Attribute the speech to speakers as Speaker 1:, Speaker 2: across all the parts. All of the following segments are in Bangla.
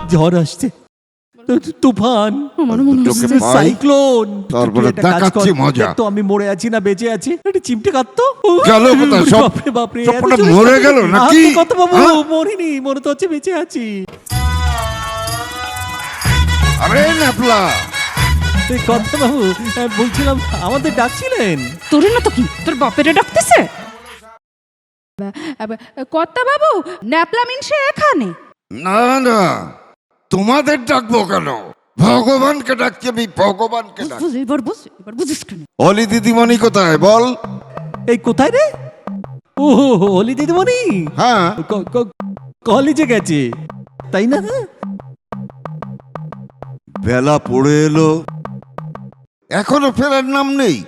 Speaker 1: ঝড় আসছে, তুফান, সাইক্লোন। তো আমি মরে আছি না বেঁচে আছি? একটা চিমটে কাটতো বাপরে বাপরে,
Speaker 2: মরে গেল নাকি?
Speaker 1: কত বাবু, মরিনি, মনে তো হচ্ছে বেঁচে আছি।
Speaker 2: আরে ন্যাপলা,
Speaker 1: কত বাবু বলছিলাম আমাদের ডাকছিলেন।
Speaker 3: তোর না তো কি, তোর বাপেরে ডাকতেছে? কর্তা বাবু, ন্যাপলা মিনসে এখানে?
Speaker 2: না না, তোমাদের ডাকবো কেন? ভগবানকে ডাকছি আমি, ভগবানকে ডাকছি।
Speaker 3: এবার বুঝিস কেন?
Speaker 2: অলি দিদিমণি কোথায় বল?
Speaker 1: এই কোথায় রে? ও অলি দিদিমণি
Speaker 2: হ্যাঁ,
Speaker 1: কলেজে গেছে তাই না?
Speaker 2: বেলা পড়ে এলো, এখনো ফেরার নাম নেই।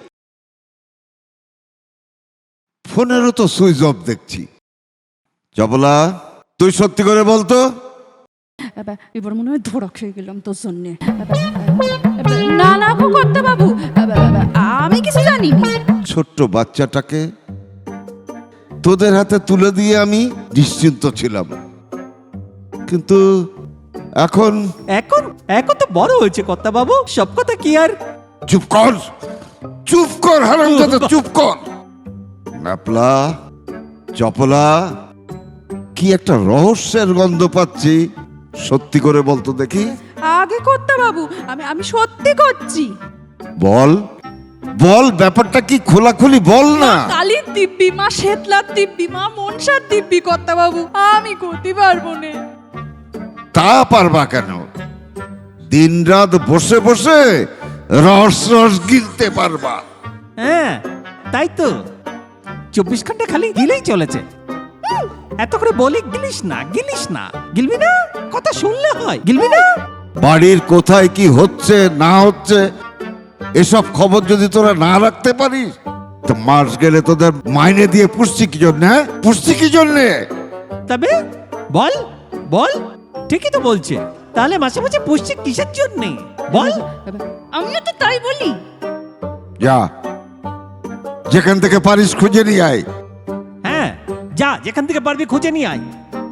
Speaker 2: ফোনেরও তো সুইচ অফ দেখছি। জবলা, তুই সত্যি করে বলতো।
Speaker 3: এবার মনে হয় ধরা খেয়ে গেলাম তোর জন্যে। না না গো কর্তা বাবু, আমি কিছু জানি না।
Speaker 2: ছোট্ট বাচ্চাটাকে তোদের হাতে তুলে দিয়ে আমি নিশ্চিন্ত ছিলাম, কিন্তু এখন
Speaker 1: এখন এখন তো বড় হয়েছে কর্তা বাবু, সব কথা কি আর?
Speaker 2: চুপ কর, চুপ কর হারামজাদা, চুপ কর। ন্যাপলা, চপলা, কি একটা রহস্যের গন্ধ পাচ্ছি। সত্যি করে বলতো দেখি।
Speaker 3: আগে কর্তা বাবু, আমি সত্যি করছি।
Speaker 2: বল বল, ব্যাপারটা কি খোলাখুলি বল না।
Speaker 3: কালীর দিব্যি, মা শেতলার দিব্যি, মা মনসার দিব্যি কর্তা বাবু, আমি করতে পারবো না।
Speaker 2: তা পারবা কেন? দিনরাত বসে বসে রস রস গিলতে পারবা।
Speaker 1: হ্যাঁ তাই তো, 24 ঘন্টা খালি গিলেই চলেছে। এত করে বলি গিলিস না, গিলিস না, গিলবি না? কথা শুনলে হয়, গিলবি না?
Speaker 2: বাড়ির কোথায় কি হচ্ছে না হচ্ছে এসব খবর যদি তোরা না রাখতে পারিস, তো মাস গেলে তোদের মাইনে দিয়ে পুষছি কি জন্য? পুষছি কি জন্যে?
Speaker 1: তবে বল বল, ঠিকই তো বলছে। তাহলে মাসে মাসে পুষছে কিসের জন্য বল?
Speaker 3: আমিও তো তাই বলি।
Speaker 2: যা, যেখান থেকে পারিস খুঁজে নিয়ে আয়।
Speaker 1: হ্যাঁ যা, যেখান থেকে পারবি খুঁজে নিয়ে আয়।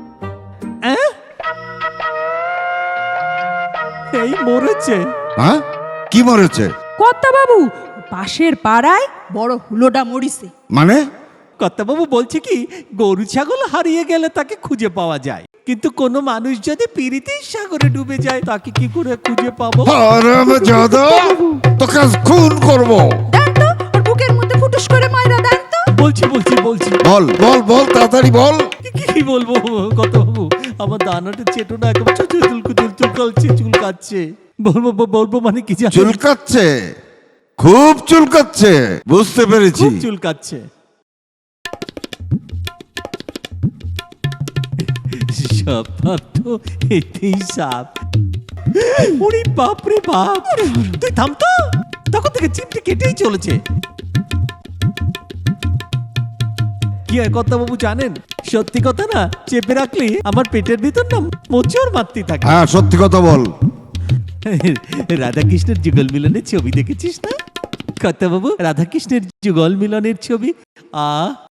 Speaker 1: এই মরেছে।
Speaker 2: হ্যাঁ, কি মরেছে?
Speaker 3: কর্তা বাবু, পাশের পাড়ায় বড় হুলোডা মরিছে।
Speaker 2: মানে?
Speaker 1: কর্তাবাবু বলছে কি, গরু ছাগল হারিয়ে গেলে তাকে খুঁজে পাওয়া যায়, কিন্তু কোনো মানুষ যদি পীড়িতের সাগরে ডুবে যায় তাকে কি করে খুঁজে পাবো?
Speaker 2: হারামজাদা, তোকে খুন করব।
Speaker 3: দেন তো, ওর বুকের মধ্যে ফুটুস করে মাইরা দেন তো।
Speaker 1: বলছি বলছি বলছি,
Speaker 2: বল বল বল, তাড়াতাড়ি বল।
Speaker 1: কি বলবো কর্তাবাবু, আমার দানাটা চেটোনা একদম চুলকাচ্ছে। বলবো বলবো মানে কি জানেন?
Speaker 2: চুলকাচ্ছে, খুব চুলকাচ্ছে, বুঝতে পেরেছি।
Speaker 1: খুব চুলকাচ্ছে। সাপ তো এতেই সাপ। ওরে বাপ রে বাপ, তুই থাম তো, তখন থেকে চিমটি কেটেই চলেছে। কি হয় কর্তাবাবু জানেন, সত্যি কথা না চেপে রাখলে আমার পেটের ভিতর না মোচড় মারতে থাকে।
Speaker 2: হ্যাঁ, সত্যি কথা বল।
Speaker 1: রাধাকৃষ্ণের যুগল মিলনের ছবি দেখেছিস না কর্তাবাবু? রাধাকৃষ্ণের যুগল মিলনের ছবি,